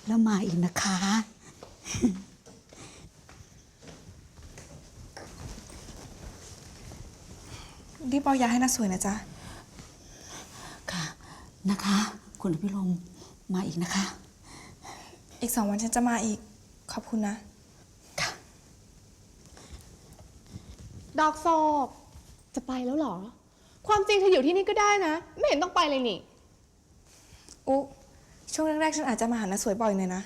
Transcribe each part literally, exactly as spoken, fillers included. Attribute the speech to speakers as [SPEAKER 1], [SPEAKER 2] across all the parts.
[SPEAKER 1] แล้วมาอีกนะคะ
[SPEAKER 2] รีบเอายาให้น้าสวยนะจ๊ะ
[SPEAKER 1] ค่ะนะคะ คุณอภิรมย์มาอีกนะคะ
[SPEAKER 2] อีกสองวันฉันจะมาอีกขอบคุณนะ
[SPEAKER 1] ค่ะ
[SPEAKER 3] ดอกโศกจะไปแล้วเหรอความจริงเธออยู่ที่นี่ก็ได้นะไม่เห็นต้องไปเลยนี่
[SPEAKER 2] อุ๊ช่วงแรกๆฉันอาจจะมาหาน้าสวยบ่อยหน่อยนะ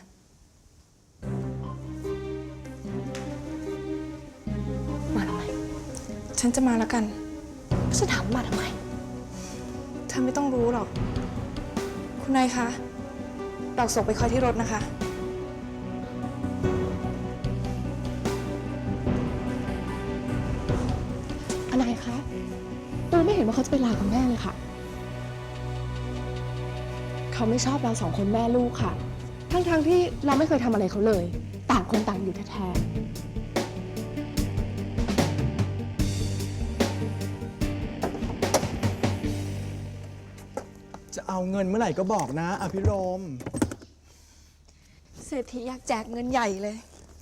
[SPEAKER 3] มาทำไม
[SPEAKER 2] ฉันจะมาแล้วกัน
[SPEAKER 3] ฉันถามมาทำไม
[SPEAKER 2] เธอไม่ต้องรู้หรอกคุณนายคะดอกโศกไปคอยที่รถนะคะ
[SPEAKER 3] อะไรคะตูไม่เห็นว่าเขาจะไปลากับแม่เลยค่ะเขาไม่ชอบเราสองคนแม่ลูกค่ะทั้งๆ ท, ที่เราไม่เคยทำอะไรเขาเลยต่างคนต่างอยู่แท้
[SPEAKER 4] ๆจะเอาเงินเมื่อไหร่ก็บอกนะอภิรมย์
[SPEAKER 2] เศรษฐีอยากแจกเงินใหญ่เลย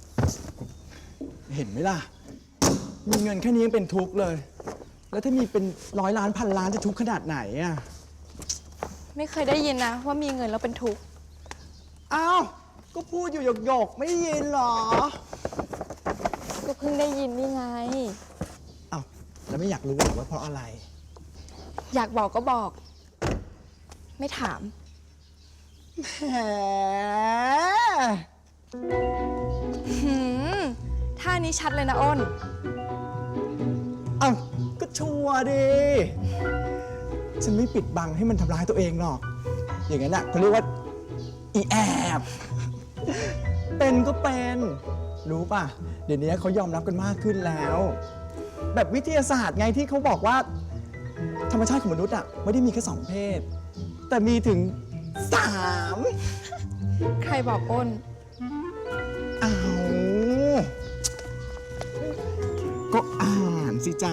[SPEAKER 4] เห็นไหมล่ะมีเงินแค่นี้ยังเป็นทุกข์เลย แล้วถ้ามีเป็นร้อยล้านพันล้านจะทุกข์ขนาดไหนอ่ะ
[SPEAKER 2] ไม่เคยได้ยินนะว่ามีเงินแล้วเป็นทุกข์
[SPEAKER 4] อ้าวก็พูดอยู่หยกๆไม่ได้ยินหรอ
[SPEAKER 2] ก็เพิ่งได้ยินนี่ไง
[SPEAKER 4] อ้าวแล้วไม่อยากรู้หรอว่าเพราะอะไร
[SPEAKER 2] อยากบอกก็บอกไม่ถาม
[SPEAKER 4] แหม
[SPEAKER 2] หืมท่านี้ชัดเลยนะอ้น
[SPEAKER 4] อ้าวก็ชัวร์ดิฉันไม่ปิดบังให้มันทำร้ายตัวเองหรอกอย่างนั้นอ่ะเขาเรียกว่าอีแอบเป็นก็เป็นรู้ป่ะเดี๋ยวนี้เขายอมรับกันมากขึ้นแล้ว แบบวิทยาศาสตร์ไงที่เขาบอกว่าธรรมชาติของมนุษย์อ่ะไม่ได้มีแค่สองเพศแต่มีถึงสาม
[SPEAKER 2] ใครบอกอ้น
[SPEAKER 4] อ้าวก็อ่านสิจ๋า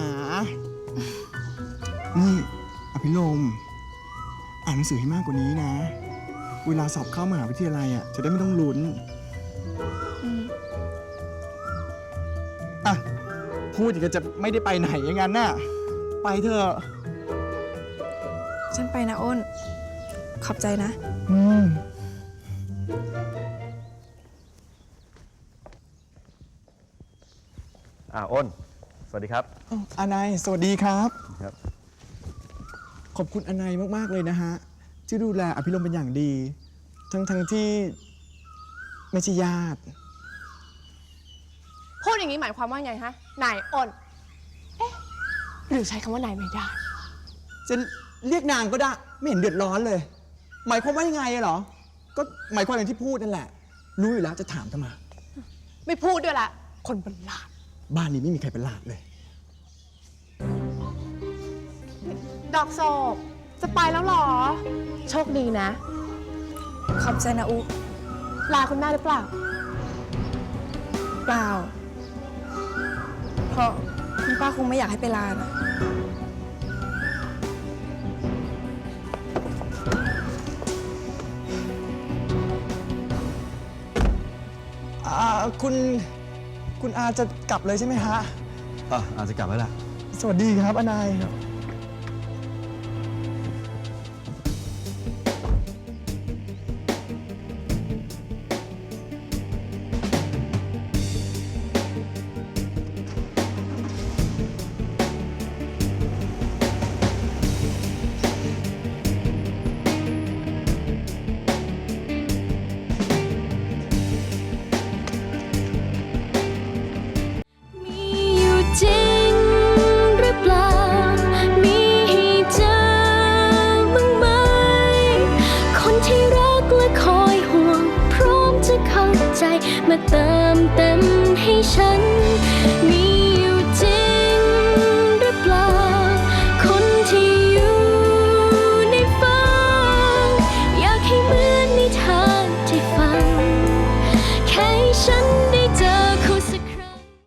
[SPEAKER 4] นี่อภิรมย์อ่านหนังสือให้มากกว่านี้นะเวลาสอบเข้ามหาวิทยาลัยอ่ะจะได้ไม่ต้องลุ้นอ่ะพูดอย่างกับจะไม่ได้ไปไหนอย่างนั้นน่ะไปเถอะ
[SPEAKER 2] ฉันไปนะอ้นขอบใจนะ
[SPEAKER 4] อืม
[SPEAKER 5] อ่าอ้นสวัสดีครับ
[SPEAKER 4] อานายสวัสดีครับ
[SPEAKER 5] ครับ
[SPEAKER 4] ขอบคุณอานายมากๆเลยนะฮะที่ดูแลอภิรมย์เป็นอย่างดีทั้งทั้งที่ไม่ใช่ญาติ
[SPEAKER 3] พูดอย่างนี้หมายความว่าไงฮะนายอ้นเอ๊ะหรือใช้คำว่านายไม่ได้
[SPEAKER 4] จะเรียกนางก็ได้ไม่เห็นเดือดร้อนเลยหมายความว่ายังไงเหรอก็หมายความอย่างที่พูดนั่นแหละรู้อยู่แล้วจะถามทำไม
[SPEAKER 3] ไม่พูดด้วยละคนประหลาด
[SPEAKER 4] บ้านนี้ไม่มีใครประหลาดเลย
[SPEAKER 3] ดอกโศกจะไปแล้วหรอโชคดีนะ
[SPEAKER 2] ขอบใจนะอุ
[SPEAKER 3] ลาคุณแม่หรือเปล่า
[SPEAKER 2] เปล่าเพราะคุณป้าคงไม่อยากให้ไปลานะ
[SPEAKER 4] คุณคุณอาจะกลับเลยใช่ไหมฮะ
[SPEAKER 5] อ่ะอาจจะกลับแล้วล่ะ
[SPEAKER 4] สวัสดีครับอนาย
[SPEAKER 6] จริงหรือเปล่ามีให้เจอบ้างไหมคนที่รักและคอยห่วงพร้อมจะเข้าใจมาเติมเต็มให้ฉัน